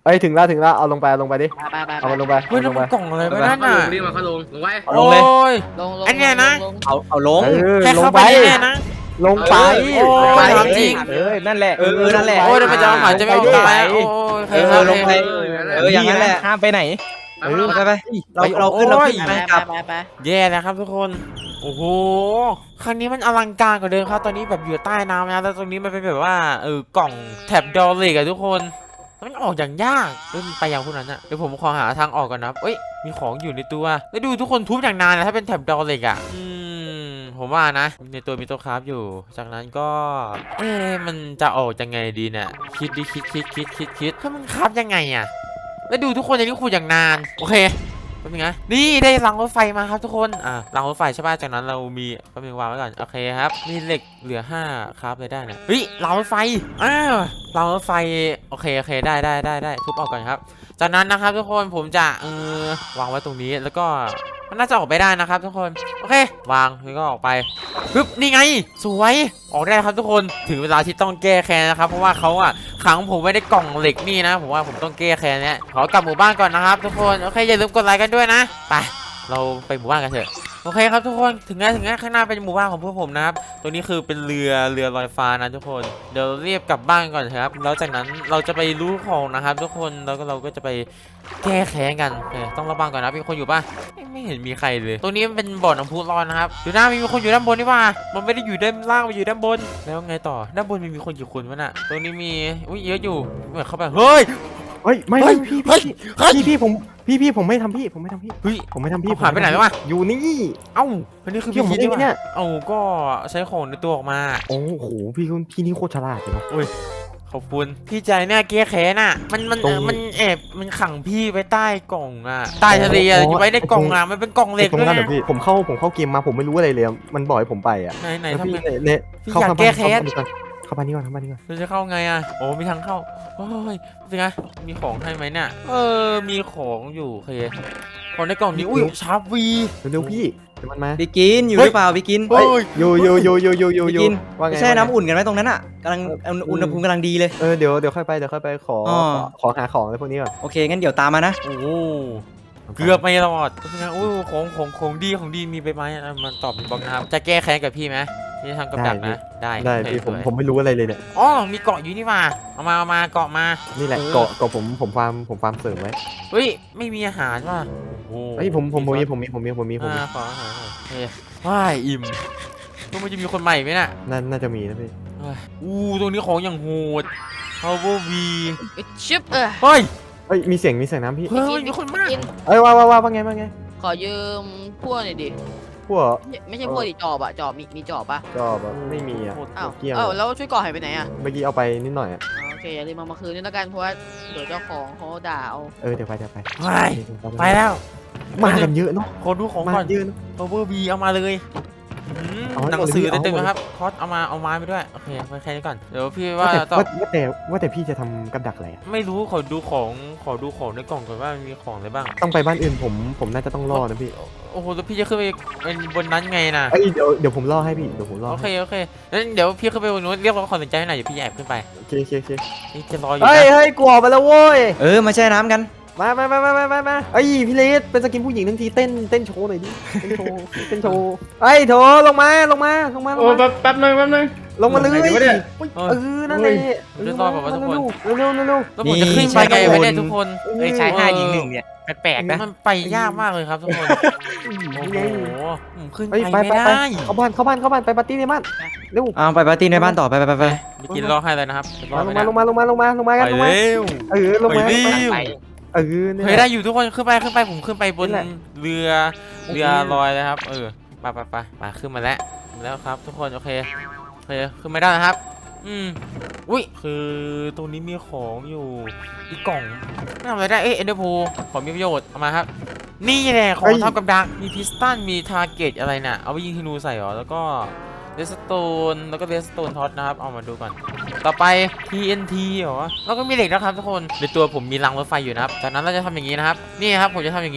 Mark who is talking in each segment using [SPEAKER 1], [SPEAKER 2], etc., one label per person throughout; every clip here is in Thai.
[SPEAKER 1] อ้ยถึงแล้วเอาลงไปดิ
[SPEAKER 2] ไป
[SPEAKER 1] เอามันลงไป
[SPEAKER 3] เฮ้ยนั่นมันกล่องอะไรวะนั่นน่ะ
[SPEAKER 4] รีบมาเข้าลงไว้
[SPEAKER 3] โอ้ย
[SPEAKER 2] ลง
[SPEAKER 3] อันเนี้ยนะ
[SPEAKER 5] เอาลง
[SPEAKER 3] แค่เข้าไปแน่นะ
[SPEAKER 1] ลงไป
[SPEAKER 3] โอ้ยถามจริง
[SPEAKER 5] นั่นแหละนั่นแหละ
[SPEAKER 3] โอ้ยเดี๋ยวมันจะเอาหมาจะไม่ออกไปโอ้ยใครครับ
[SPEAKER 5] ลงไปอย่างนั้นแหละห้ามไปไหนไปเราขึ้นเราขึ้น
[SPEAKER 2] ไป
[SPEAKER 5] กลับ
[SPEAKER 2] ไป
[SPEAKER 3] แย่แล้วครับทุกคนโอ้โหครั้งนี้มันอลังการกว่าเดิมครับตอนนี้แบบอยู่ใต้น้ำนะแล้วตรงนี้มันเป็นแบบว่ากล่องแถบดอลเล็กอะทุกคนมันออกอย่างยากมันไปอย่างพวกนั้นอะเดี๋ยวผมขอหาทางออกก่อนนะเอ้ยมีของอยู่ในตัวแล้วดูทุกคนทุบอย่างนานนะถ้าเป็นแถบดอลเล็กอะผมว่านะในตัวมีตัวคราฟอยู่จากนั้นก็มันจะออกยังไงดีเนี่ยคิดดิคิดถ้ามันคราฟยังไงอะแล้วดูทุกคนในนี้ขุดอย่างนานโอเคแป๊บนึงนะนี่ได้รางรถไฟมาครับทุกคนรางรถไฟใช่ป่ะจากนั้นเรามีแป๊บนึงวางไว้ก่อนโอเคครับมีเหล็กเหลือ5ครับเลยได้นะเฮ้ยรางรถไฟรางรถไฟโอเคได้ทุบออกก่อนครับจากนั้นนะครับทุกคนผมจะวางไว้ตรงนี้แล้วก็มันน่าจะออกไปได้นะครับทุกคนโอเควางแล้วก็ออกไปปึ๊บนี่ไงสวยออกได้ครับทุกคนถึงเวลาที่ต้องแก้แค้นนะครับเพราะว่าเขาขังผมไว้ในกล่องเหล็กนี่นะผมว่าผมต้องแก้แค้นเนี่ยขอกลับหมู่บ้านก่อนนะครับทุกคนโอเคอย่าลืมกดไลค์กันด้วยนะไปเราไปหมู่บ้านกันเถอะโอเคครับทุกคนถึงแล้วข้างหน้าเป็นหมู่บ้านของพวกผมนะครับตัวนี้คือเป็นเรือลอยฟ้านะทุกคนเดี๋ยวเรียบกลับบ้านก่อนครับแล้วจากนั้นเราจะไปรู้ของนะครับทุกคนแล้วก็เราก็จะไปแก้แค้นกันต้องระวังก่อนนะมีคนอยู่ป่ะไม่เห็นมีใครเลยตรงนี้มันเป็นบ่อน้ำพุร้อนนะครับดูหน้ามีคนอยู่ด้านบนนี่ว่ามันไม่ได้อยู่ด้านล่างมันอยู่ด้านบนแล้วไงต่อด้านบนมีคนกี่คนวะน่ะตรงนี้มีเยอะอยู่เหมือนเข้าไปเฮ้ย
[SPEAKER 1] ไม่พี่ผมไม่ทำพี่ผมไม่ทำพี่
[SPEAKER 3] เฮ้ย
[SPEAKER 1] ผมไม่ทำพี่
[SPEAKER 3] หายไปไหนแล้ววะ
[SPEAKER 1] อยู่นี่
[SPEAKER 3] เอ้าอันนี้คือ
[SPEAKER 1] พี่ผม
[SPEAKER 3] คิด
[SPEAKER 1] เนี่ย
[SPEAKER 3] เอ้าก็ใช้ของในตัวออกมา
[SPEAKER 1] โอ้โหพี่นี่โคตรฉลาดเลยเนาะ
[SPEAKER 3] ขอบคุณพี่ใจเนี่ยแก้แค้นมันขังพี่ไว้ใต้กล่องใต้ทะเลอยู่ไว้ในกล่องมันเป็นกล่องเหล็ก
[SPEAKER 1] ตรง
[SPEAKER 3] ด้วย
[SPEAKER 1] นั้นเหร
[SPEAKER 3] นะ
[SPEAKER 1] อพี่ผมเข้าเกมมาผมไม่รู้อะไรเลยมันบอกให้ผมไป
[SPEAKER 3] ไหนทำ
[SPEAKER 1] พี่
[SPEAKER 3] ไง
[SPEAKER 1] เนี่ย
[SPEAKER 3] พี่อยากแก้แค้น
[SPEAKER 1] เข้าบ้านนี้ก่อน
[SPEAKER 3] เราจะเข้าไงโอ้มีทางเข้าโอ้ยเป็นไงมีของให้ไหมเนี่ยมีของอยู่โอเคของในกล่องนี้อุ้ยชาร์ปวี
[SPEAKER 1] เร็วพี่เดี๋ยวมันมา
[SPEAKER 5] ไปกินอยู่หรือเปล่าไปกิน
[SPEAKER 1] อยู่ว่าไง
[SPEAKER 5] แช่น้ำอุ่นกันไหมตรงนั้นกำลังอุณหภูมิกำลังดีเลย
[SPEAKER 1] เดี๋ยวค่อยไปขอหาของอะไรพวกนี้ก่อน
[SPEAKER 5] โอเคงั้นเดี๋ยวตามมานะ
[SPEAKER 3] โอ้เกือบไม่รอดเป็นไงอุ้ยของดีมีไปไหมมันตอบเป็นบล็อกนะครับจะแก้แค้นกับพี่ไหมนี่ทางกับดักนะได้
[SPEAKER 1] พี่ผมไม่รู้อะไรเลยเนี่ย
[SPEAKER 3] อ๋อมีเกาะอยู่นี่มาเอามาเกาะมา
[SPEAKER 1] นี่แหละเกาะผมฟาร์มเสริมไว้
[SPEAKER 3] เฮ้ยไม่มีอาหารว่ะโอ้
[SPEAKER 1] เฮ้ยผมมี
[SPEAKER 3] ขออาหารเฮ้ยว้ายอิ่มมันจะมีคนใหม่ไหมน่ะ
[SPEAKER 1] น่าจะมีนะพี่
[SPEAKER 3] ตรงนี้ของอย่างโหด Power V
[SPEAKER 2] ชิป
[SPEAKER 3] เฮ้ย
[SPEAKER 1] มีเสียงน้ำพี่
[SPEAKER 3] เฮ้ยมีคนมาก
[SPEAKER 1] ว่าไง
[SPEAKER 2] ขอยืมพวกหน่อยดิ
[SPEAKER 1] พวก
[SPEAKER 2] ไม่ใช่พวกดิจอบมีจอบป่ะ
[SPEAKER 1] จอบไม่มี
[SPEAKER 2] อ้าวแล้วช่วยก่อหายไปไหน
[SPEAKER 1] เมื่อกี้เอาไปนิดหน่อย
[SPEAKER 2] โอเคอย่าลืมมาคืนนี่แล้วกันเพราะว่าเดี๋ยวเจ้าของเขาด่าเอา
[SPEAKER 1] เดี๋ยวไป
[SPEAKER 3] ไปแล้ว
[SPEAKER 1] มากันเยอะเนาะ
[SPEAKER 3] ขอดูของก่อน
[SPEAKER 1] เยอะ
[SPEAKER 3] Power V เอามาเลยหนังสือเต็มๆครับคอสเอาไม้ไปด้วยโอเคไปแค่นี้ก่อนเดี๋ยวพี่ว่า
[SPEAKER 1] แต่พี่จะทำกับดักอะไร
[SPEAKER 3] ไม่รู้ขอดูของในกล่องก่อนว่ามีของอะไรบ้าง
[SPEAKER 1] ต้องไปบ้านอื่นผมน่าจะต้องรอนะพี่
[SPEAKER 3] โอ้โหแล้วพี่จะขึ้นไปบนนั้นไงนะ
[SPEAKER 1] เดี๋ยวผมรอให้พี่
[SPEAKER 3] โอเคงั้นเดี๋ยวพี่ขึ้นไปบนนู้นเรียกร้องความสนใจให้หน่อยเดี๋ยวพี่แอบขึ้นไป
[SPEAKER 1] โอเค
[SPEAKER 3] นี่จะรออยู่
[SPEAKER 1] เฮ้ยกลัวไปแล้วโว้ย
[SPEAKER 5] มาแช่น้ำกัน
[SPEAKER 1] มาพี่เลสเป็นสกินผู้หญิงทั้งทีเต้นโชว์หน่อยดิเต้นโชว์โถลงมา
[SPEAKER 4] โอ้แป๊บนึง
[SPEAKER 1] ลงมาเลยนั่นเลย
[SPEAKER 3] จะรอแบบว่าทุกคน
[SPEAKER 1] เร็ว
[SPEAKER 3] แล้วผมจะขึ้นไปไงไม่ได้ทุกคน
[SPEAKER 5] ใช้5 ยิง 1เนี่ยแปลกๆนะ
[SPEAKER 3] มันไปยากมากเลยครับทุกคนโอ้โหขึ้นไปไม่ได้
[SPEAKER 1] เข้าบ้านไปปาร์ตี้ในบ้านเร็ว
[SPEAKER 5] ไปปาร์ตี้ในบ้านต่อไป
[SPEAKER 3] ไปกินรอให้เลยนะครับ
[SPEAKER 1] ลงมากัน
[SPEAKER 3] ไปเร็ว
[SPEAKER 1] ลงมา
[SPEAKER 3] เฮ้ยได้อยู่ทุกคนขึ้นไปผมขึ้นไปบนเรือลอยเลยครับไปขึ้นมาแล้วครับทุกคนโอเคขึ้นไม่ได้นะครับอุ้ยคือตรงนี้มีของอยู่อีกกล่องไม่ทำอะไรได้เอ็นเดอร์โพของมีประโยชน์เอามาครับนี่แหละของทำกับดักมีพิสตันมีทาร์เก็ตอะไรน่ะเอาไปยิงธนูใส่หรอแล้วก็เรสโตนแล้วก็เรสโตนท็อตนะครับเอามาดูก่อนต่อไป TNT หรอแล้วก็มีเหล็กนะครับทุกคนในตัวผมมีรางรถไฟอยู่นะครับจากนั้นเราจะทำอย่างนี้นะครับนี่ครับผมจะทำอย่างนี้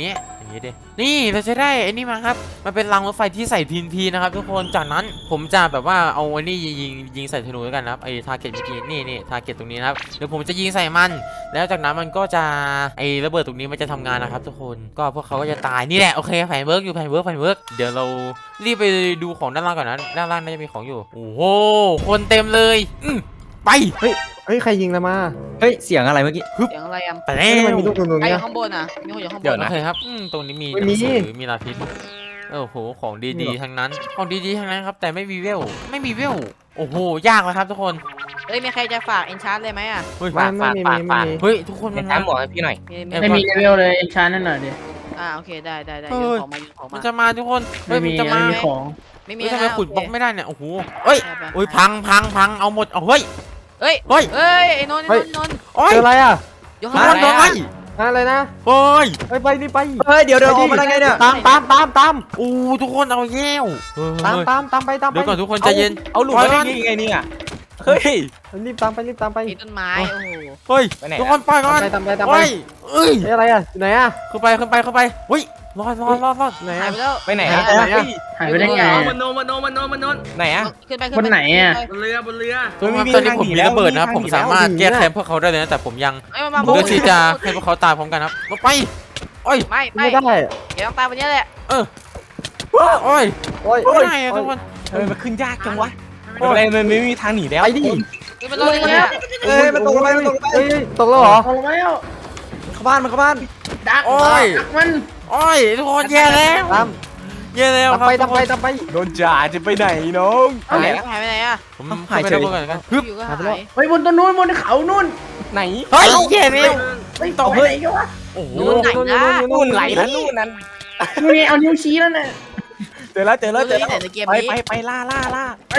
[SPEAKER 3] อย่างนี้ดินี่เราจะได้ไอ้นี่มาครับมันเป็นรางรถไฟที่ใส่TNTนะครับทุกคนจากนั้นผมจะแบบว่าเอาไอ้นี่ยิงใส่ธนูด้วยกันนะครับไอ้ทาร์เก็ตเมื่อกี้นี่ทาร์เก็ตตรงนี้นะครับเดี๋ยวผมจะยิงใส่มันแล้วจากนั้นมันก็จะไอ้ระเบิดตรงนี้มันจะทำงานนะครับทุกคนก็พวกเขาก็จะตายนี่แหละโอเคแผนเวิร์กอยู่แผนเวิร์กเดี๋ยวเรารีบไปดูของด้านล่างก่อนนะด้านล่างน่าจะมีของอยู่โอ้โหคนเต็มเลยไป
[SPEAKER 1] เฮ้ยใครยิงเรามา
[SPEAKER 5] เฮ้ยเสียงอะไรเมื่อกี้
[SPEAKER 2] เสียงอะไรอ่ะ
[SPEAKER 3] ไปแล้
[SPEAKER 1] เฮ้ยทำไม
[SPEAKER 3] ว
[SPEAKER 1] มีลูกตรง
[SPEAKER 2] ไอ้
[SPEAKER 1] นี้
[SPEAKER 2] อยู่ข้างบนอ่ะมีคนอยู่ข้างบน
[SPEAKER 5] เดี๋ยว
[SPEAKER 3] โอ
[SPEAKER 5] นะ
[SPEAKER 3] เคครับตรงนี้มี
[SPEAKER 1] ไม่มี
[SPEAKER 3] หนังสือมีลาพิษโอ้โหของดีๆทั้งนั้นของดีๆทั้งนั้นครับแต่ไม่มีเวลโอ้โหยากแล้วครับทุกคน
[SPEAKER 2] เฮ้ยมีใครจะฝากเอนชาร์เลยไหมอ่ะ
[SPEAKER 3] เฮ้ย
[SPEAKER 1] ไม่มี
[SPEAKER 3] เฮ้ยทุกคน
[SPEAKER 5] เป็
[SPEAKER 3] มัน น
[SPEAKER 5] ตามหมอให้พี่หน่อย
[SPEAKER 4] ไม่มีเลเวลเลยชาร์นั่นหน่อยดิ
[SPEAKER 2] โอเคได้โยนของมาโยนของ
[SPEAKER 3] มั
[SPEAKER 2] มาน
[SPEAKER 3] จะมาทุกคนเฮ้ยมันจะมา
[SPEAKER 4] ไม่มีของ
[SPEAKER 2] ไม่มี
[SPEAKER 3] เฮ้ยทำไม
[SPEAKER 2] นะ
[SPEAKER 3] ขุดบล็อกไม่ได้เนี่ยโอ้โหเฮ้ย
[SPEAKER 2] ไป
[SPEAKER 3] โอ้ยพังเอาหมดเอาเฮ้ย
[SPEAKER 2] เฮ้ย
[SPEAKER 3] เฮ้ย
[SPEAKER 2] ไอ้นนท์
[SPEAKER 3] โอ้ย
[SPEAKER 1] เจออะไรอ่ะ
[SPEAKER 2] ยก
[SPEAKER 3] ทุก
[SPEAKER 2] ข้าง
[SPEAKER 3] คนโดน
[SPEAKER 2] ไหน
[SPEAKER 3] ไล่
[SPEAKER 2] อะ
[SPEAKER 1] อะไรนะ
[SPEAKER 3] เฮ้ย
[SPEAKER 1] ไปนี่ไป
[SPEAKER 5] เฮ้ยเดี๋ยวออกมาได้ไงเนี่ย
[SPEAKER 1] ตาม
[SPEAKER 3] อู้ทุกคนเอาแย่วเฮ้ย
[SPEAKER 1] ตามไป
[SPEAKER 3] เดี๋ยวก่อนทุกคนใจเย็น
[SPEAKER 5] เอาหลุดมาได้ยังไงเนี่ยเฮ้ย
[SPEAKER 1] รีบตามไป
[SPEAKER 2] มีต้นไม้โอ้โห
[SPEAKER 3] เฮ้ย
[SPEAKER 5] ไปไหน
[SPEAKER 3] ทุกคนปล่อยก่อน
[SPEAKER 1] ตามไป
[SPEAKER 3] เฮ้ยเอ้ย
[SPEAKER 1] อะไรอ่ะอยู่ไหนอ่ะ
[SPEAKER 3] ขึ้นไปเฮ้ยรอด
[SPEAKER 1] ไหน
[SPEAKER 2] หาย
[SPEAKER 1] อ่ะ
[SPEAKER 2] ไปแล้ว
[SPEAKER 5] ไปไหน
[SPEAKER 1] หา
[SPEAKER 5] อะ
[SPEAKER 1] ยไปไหนอะ
[SPEAKER 4] หายไปได้ไง
[SPEAKER 2] มันโน
[SPEAKER 5] ไหนอะ
[SPEAKER 2] ขึ้นไป
[SPEAKER 4] บนไหนอะ
[SPEAKER 2] บนเรือ
[SPEAKER 4] บนเรือ
[SPEAKER 5] เฮ้ยไม่มี
[SPEAKER 3] ตอนนี้ผมมีระเบิดนะ
[SPEAKER 5] ทางหนี
[SPEAKER 3] ผมสามารถแก้แค้นพวกเขาได้เลยนะแต่ผมยัง
[SPEAKER 2] เอ้ยมันมา
[SPEAKER 3] เลือกที่จะให้พวกเขาตายพร้อมกันครับลงไปโอ้ย
[SPEAKER 2] ไม่
[SPEAKER 1] ไม่ได้
[SPEAKER 2] เดี๋ยวต้องตายวันนี้แหละ
[SPEAKER 3] โอ้ย
[SPEAKER 1] โอ้ย
[SPEAKER 3] ไม่ได้อะทุกคน
[SPEAKER 5] เฮ้ยมันขึ้นยากจังวะอะไรมันไม่มีทางหนีแล้ว
[SPEAKER 1] ไปดิ
[SPEAKER 2] มันลงเลยเนี่ย
[SPEAKER 5] เอ้ยมันตกลงไป
[SPEAKER 1] เฮ้ยตกแล้วเหรอ
[SPEAKER 4] เอาแล้ว
[SPEAKER 5] เข้าบ้าน
[SPEAKER 4] ดัก
[SPEAKER 3] โอ้ย
[SPEAKER 4] ดักมัน
[SPEAKER 3] โอ้ยทุกคนแย่แล้ว
[SPEAKER 1] ตาม
[SPEAKER 3] แย่แล้วครับ
[SPEAKER 1] ตามไป
[SPEAKER 5] โดนจ่าจะไปไหนน้อง
[SPEAKER 2] หายไปไหนอ่ะ
[SPEAKER 3] ผมหายไปแล้วก่อนกันฮึบ
[SPEAKER 2] อยู่ก็
[SPEAKER 1] หาย
[SPEAKER 2] หา
[SPEAKER 1] ไปแล้ว
[SPEAKER 2] ย
[SPEAKER 4] เฮ้ยบนต้นนู้นบนเขานู่น
[SPEAKER 5] ไหน
[SPEAKER 3] เฮ้ยแย่แล้ว
[SPEAKER 4] เฮ้ยตกไปไหนกันวะ
[SPEAKER 3] โอ้โห
[SPEAKER 5] นู่นไหลแล้วนู่นนั้น
[SPEAKER 4] นี่เอานิ้วชี้แล้วน่ะ
[SPEAKER 5] เจอแล้ว
[SPEAKER 2] แต่ในเกมนี้
[SPEAKER 5] ไปล่า
[SPEAKER 1] ไอ้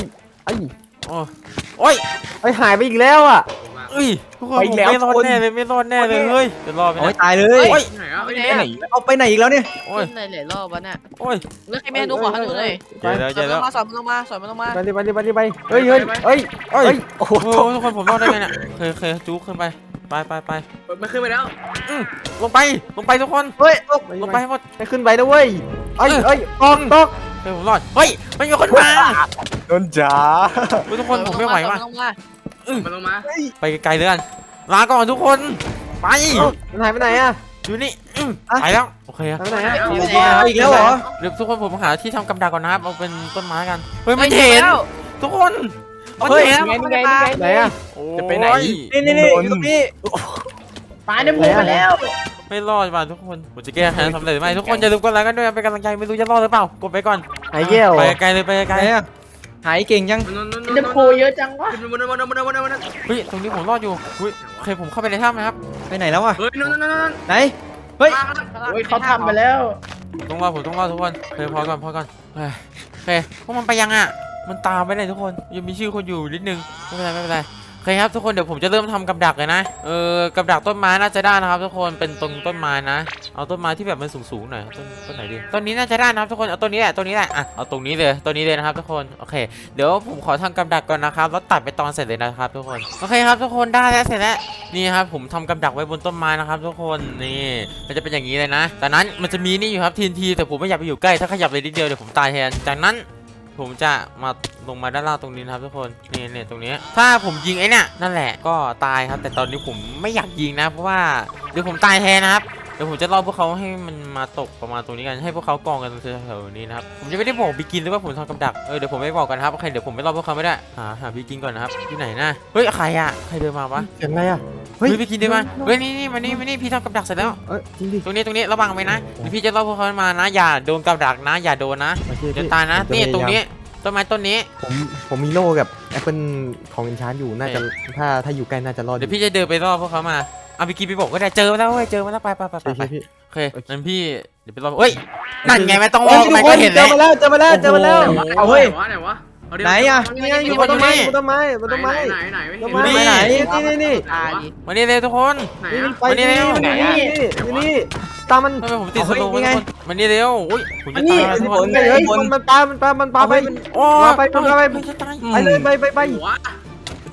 [SPEAKER 3] โอ้ย
[SPEAKER 1] ไอ้หายไปอีกแล้วอ่ะ
[SPEAKER 3] เอ้ยทุกคนผมไม่รอดแน่เลยเฮ้ยจะรอดไหม
[SPEAKER 5] โอ้ย
[SPEAKER 3] นะ
[SPEAKER 5] ตายเลย
[SPEAKER 3] โอ้ย
[SPEAKER 4] ไหนอ่ะ
[SPEAKER 2] ไป
[SPEAKER 4] ไป
[SPEAKER 2] ไห
[SPEAKER 4] ไห
[SPEAKER 2] น
[SPEAKER 4] น
[SPEAKER 2] อะ
[SPEAKER 5] เอาไปไหนอีกแล้วเนี่ย
[SPEAKER 3] โอ้ย
[SPEAKER 2] ขึ้นเลยหลายรอบวะเนี่ย
[SPEAKER 3] โอ้ย
[SPEAKER 2] เลือกให้แม่ดูขอให้ดูหน่อย
[SPEAKER 3] เจอแล้ว
[SPEAKER 2] สอนมันลงมา
[SPEAKER 1] ไปเฮ้ย
[SPEAKER 3] โอ้โหทุกคนผมรอดได้ไงเนี่ยเคยจุ๊กขึ้นไปไป
[SPEAKER 4] มันขึ้นไปแล้ว
[SPEAKER 3] ลงไปทุกคน
[SPEAKER 1] เฮ้ย
[SPEAKER 3] ลงไปให้หมด
[SPEAKER 1] ให้ขึ้นไปนะเว้ยตก
[SPEAKER 3] เฮ้ยผมรอดเฮ้ยมันมีคนมา
[SPEAKER 5] โดนจ่า
[SPEAKER 3] ทุกคนผมไม่ไหวว่ะ
[SPEAKER 4] มันลงมา
[SPEAKER 3] ไปไกลๆเลยกันลาก่อนทุกคน ไป
[SPEAKER 1] มันหายไปไหนอ่ะ
[SPEAKER 3] อยู่นี่ไปแล้ว โอเคครับ
[SPEAKER 1] หายไปไหนอ่ะ
[SPEAKER 5] อีกแล้วเหรอ
[SPEAKER 3] เดี๋ยวทุกคนผมหาที่ทำกำดักก่อนนะครับ เอาเป็นต้นไม้กัน เฮ้ยมันเห็น ทุกคนมัน
[SPEAKER 5] เฮ้ย
[SPEAKER 3] เห็น
[SPEAKER 5] ไง
[SPEAKER 1] ไหนอ่ะ
[SPEAKER 5] จะไปไหน
[SPEAKER 3] โอ้ย
[SPEAKER 5] นี่อยู่ตรงนี้
[SPEAKER 4] ตายในหมู่ไปแล้ว
[SPEAKER 3] ไม่รอดว่ะทุกคน ผมจะแก้แค้นสำเร็จหรือไม่ทุกคนอย่าลืมกดไลค์กันด้วยนะเป็นกำลังใจไม่รู้จะรอดหรือเปล่า กดไปก่อน
[SPEAKER 1] หายแย่ว
[SPEAKER 3] ไปไกลเลยไปไกล
[SPEAKER 5] ไหนอะหายเก่งยัง
[SPEAKER 4] จะโคเยอะจังวะ
[SPEAKER 3] เฮ้ยตรงนี้ผมรอดอยู่เฮ้ยโอเคผมเข้าไปในถ้ำนะครับ
[SPEAKER 5] ไปไหนแล้วอะ
[SPEAKER 4] เฮ้ยนั่น
[SPEAKER 5] ไหนเฮ้ย
[SPEAKER 4] โอ้ยเขาทำไปแล้ว
[SPEAKER 3] ต้องรอผมต้องรอทุกคนโอเคพอก่อนเฮ้ยโอเคพวกมันไปยังอ่ะ มันตามไปเลยทุกคนยังมีชื่อคนอยู่นิดนึงไม่เป็นไรโอเคครับทุกคนเดี๋ยวผมจะเริ่มทำกับดักเลยนะกับดักต้นไม้น่าจะได้นะครับทุกคนเป็นตรงต้นไม้นะเอาต้นไม้ที่แบบมันสูงๆหน่อยต้นไหนดีต้นนี้น่าจะได้นะครับทุกคนเอาต้นนี้แหละอ่ะเอาตรงนี้เลยนะครับทุกคนโอเคเดี๋ยวผมขอทำกับดักก่อนนะครับแล้วตัดไปตอนเสร็จเลยนะครับทุกคนโอเคครับทุกคนได้แล้วเสร็จแล้วนี่ครับผมทำกับดักไว้บนต้นไม้นะครับทุกคนนี่มันจะเป็นอย่างนี้เลยนะจากนั้นมันจะมีนี่อยู่ครับTNTแต่ผมไม่อยากไปอยู่ใกล้ถ้าขยับเลยนิดเดียวเดี๋ยวผมตายแทนจากนั้นผมจะมาลงมาด้านล่างตรงนี้นะครับทุกคนนี่ตรงนี้ถ้าผมยิงไอ้เนี่ยนั่นแหละก็ตายครับแต่ตอนนี้ผมไม่อยากยิงนะเพราะว่าเดี๋ยวผมตายแทนนะครับเดี๋ยวผมจะรอพวกเขาให้มันมาตกประมาณตรงนี้กันให้พวกเขากองกันแถวๆนี้นะครับผมจะไม่ได้บอกบิกินหรือว่าผมทำกับดักเดี๋ยวผมไม่บอกกันครับโอเคเดี๋ยวผมไม่รอพวกเขาไม่ได้หาบิกินก่อนนะครับอยู่ไหนนะเฮ้ยใครเดินมาวะ
[SPEAKER 1] เสียงอะไรอ่ะ
[SPEAKER 3] เฮ้ยบิกินเดินมาเฮ้ยนี่มานี่พี่ทำกับดักเสร็จแล้ว
[SPEAKER 1] จริงดิ
[SPEAKER 3] ตรงนี้ระวังไว้นะเดี๋ยวพี่จะรอพวกเขามานะอย่าโดนกับดักนะอย่าโดนนะเดี๋ยวตายนะนี่ตรงนี้ต้นไม้ต้นนี้
[SPEAKER 1] ผมมีโล่กับแอปเปิลของอินชานอยู่น่าจะถ้าอยู่ใกล้น่าจะรอด
[SPEAKER 3] เดี๋ยวพี่จะเดินไปรอพวกเขามาเอาบิกินไปบอกก็ได้เจอมาแล้วเว้ยเจอมาแล้วไป
[SPEAKER 1] พี่
[SPEAKER 3] โอเคงั้นพี่เดี๋ยวไปรอเฮ้ยนั่นไงไม่ต้องรอมันก็เห็น
[SPEAKER 1] เจ
[SPEAKER 3] แล้
[SPEAKER 1] อ
[SPEAKER 3] ว
[SPEAKER 1] มาแล้ว
[SPEAKER 5] เอาเฮ้ย
[SPEAKER 4] ไหนวะ
[SPEAKER 5] ไหนอะ
[SPEAKER 1] อยู่บนต้นไม้บนต้นไม้บนต้นไม้
[SPEAKER 4] ไหน
[SPEAKER 1] ต้นไม้ไหนนี่
[SPEAKER 2] ตายดิ
[SPEAKER 3] วันนี้เลยทุกคน
[SPEAKER 4] ไหน
[SPEAKER 1] ไปนี่ตามมัน
[SPEAKER 3] ทำไมผมติดสโลว์ทุกคนวันนี้เร็วอุ้ยผมจะตายทุกคน
[SPEAKER 1] เฮ้ยมันปลาไป
[SPEAKER 3] โอ้
[SPEAKER 1] ไป
[SPEAKER 3] ไม่จะตาย
[SPEAKER 1] ไปเลยไป
[SPEAKER 4] หัว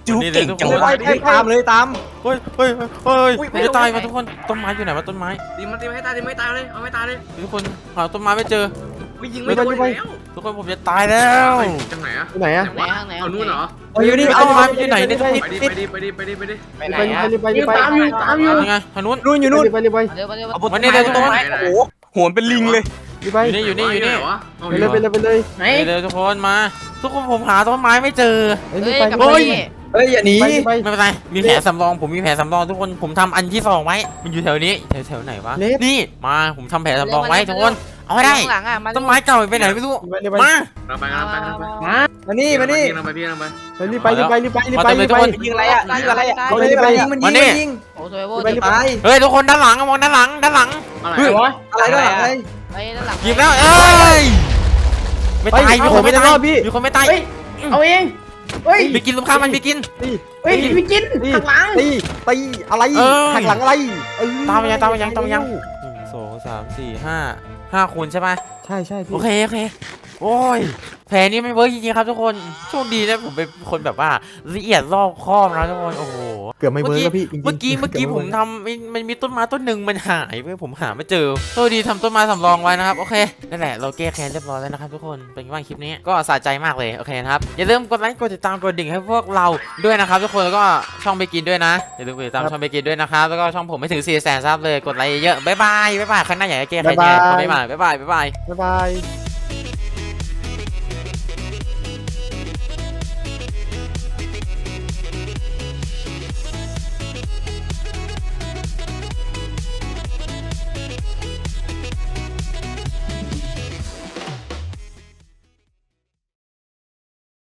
[SPEAKER 5] จู
[SPEAKER 3] นี่เลย
[SPEAKER 5] เก่ง
[SPEAKER 3] ทุก
[SPEAKER 5] จัง
[SPEAKER 3] คน
[SPEAKER 5] เลยตามเลยตาม
[SPEAKER 3] เฮ้ยเฮ้ยเฮ้ยผมจะตายมาทุกคนต้นไม้อยู่ไหนวะต้นไม้
[SPEAKER 4] ตีมันตีไม่ตายตีไม่ตายเลยเอาไม่ตายเลย
[SPEAKER 3] ทุกคนหาต้นไม้ไม่เจอ
[SPEAKER 4] ไม่ยิงไม่โดนแล้ว
[SPEAKER 3] ทุกคนผมจะตายแล้ว
[SPEAKER 4] จังไหนอะ
[SPEAKER 1] ที่ไหนอะ
[SPEAKER 4] เอานู่นเหรอ
[SPEAKER 5] อยู่นี่
[SPEAKER 3] ต้นไม้มันอยู่ไหนเนี่ย
[SPEAKER 4] ไปดิไปดิไปดิไปดิไปดิ
[SPEAKER 5] ไปไหน
[SPEAKER 1] ไป
[SPEAKER 5] อะ
[SPEAKER 1] ไป
[SPEAKER 4] ตามอยู่ตามอยู่
[SPEAKER 3] ยังไงทางนู้น
[SPEAKER 5] นู่นอยู่นู่น
[SPEAKER 1] ไปไป
[SPEAKER 2] เร็วไปเร็ว
[SPEAKER 5] เอาบน
[SPEAKER 3] มานี่เลยทุกคน
[SPEAKER 5] โอ้โหหัวเป็นลิงเลย
[SPEAKER 1] ไป
[SPEAKER 3] อยู่นี่
[SPEAKER 1] ไปเลยไปเลย
[SPEAKER 4] ไหน
[SPEAKER 3] เร็วทุกคนมา ทุกคนผมหาต้นไม้ไม่เจอ
[SPEAKER 1] เฮ้ย
[SPEAKER 2] เฮ้ย
[SPEAKER 1] ไป
[SPEAKER 2] กับ
[SPEAKER 1] ไป
[SPEAKER 2] พี่
[SPEAKER 5] เฮ้ยอย่าหนี
[SPEAKER 1] ไป
[SPEAKER 3] ไม่เป็นไรมีแผลสำรองผมมีแผลสำรองทุกคนผมทำอันที่สองไว้มันอยู่แถวนี้แถวไหนวะนี่มาผมทำแผลสำรองไว้ทุกคนเอาให้ได้
[SPEAKER 2] ข้างหลังอ่ะมา
[SPEAKER 3] ต้นไม้เก่าไปไหนไม่รู้
[SPEAKER 1] ไปไป
[SPEAKER 3] มา
[SPEAKER 4] เราไปกันไปกันไป
[SPEAKER 5] มานี่มานี่
[SPEAKER 4] เราไปพี่เราไป
[SPEAKER 1] ไปรีบไปรีบไปรีบไปรีบไปรีบไป
[SPEAKER 5] ยิงอะไรอ่ะยิงอะไรอ่ะ
[SPEAKER 1] ไปไป
[SPEAKER 5] มันยิงมันยิง
[SPEAKER 2] โอ้โซเวอร์
[SPEAKER 1] ไป
[SPEAKER 5] ตาย
[SPEAKER 3] เฮ้ยทุกคนด้านหลังมองด้านหลัง
[SPEAKER 4] อะไรวะ
[SPEAKER 5] อะไรด้วยอะไร
[SPEAKER 2] ไปด้านหลัง
[SPEAKER 3] ยิงแล้วเอ้ยไม่ตายมีคนไม่ตายมีคนไม่ตาย
[SPEAKER 4] เฮ้ยเอาเองเฮ้ย
[SPEAKER 3] มีกินลูกค้ามันมีกิน
[SPEAKER 1] ตี
[SPEAKER 4] เฮ้ยพี่กินข้างหลัง
[SPEAKER 1] ตีตีอะไรหักหลังอะไร
[SPEAKER 3] ตามยัง1 2 3 4 5คูณใช่ไหม
[SPEAKER 1] ใช่ใช่พี่
[SPEAKER 3] โอเคโอ้ยแผลนี้ไม่เวิร์กจริงๆครับทุกคนโชคดีนะผมเป็นคนแบบว่าละเอียดรอบคอบนะทุกคนโอ้โห
[SPEAKER 1] เกือบไม่เวิร์กแล้วพี่
[SPEAKER 3] เมื่อกี้ผมทำมันมีต้นไม้ต้นหนึ่งมันหายไปผมหาไม่เจอโชคดีทำต้นไม้สำรองไว้นะครับโอเคนั่นแหละเราแก้แค้นเรียบร้อยแล้วนะครับทุกคนเป็นไงบ้างคลิปนี้ก็สะใจมากเลยโอเคนะครับอย่าลืมกดไลค์กดติดตามกดดิ่งให้พวกเราด้วยนะครับทุกคนแล้วก็ช่องไปกินด้วยนะอย่าลืมกดติดตามช่องไปกินด้วยนะครับแล้วก็ช่องผมไม่ถึง400,000ซับเลยกดไลค์เยอะบ๊ายบายครั้งหน้าอยากจะแก้แค้นยังไงคอมเมนต์มาบ๊ายบาย
[SPEAKER 1] บ๊ายบาย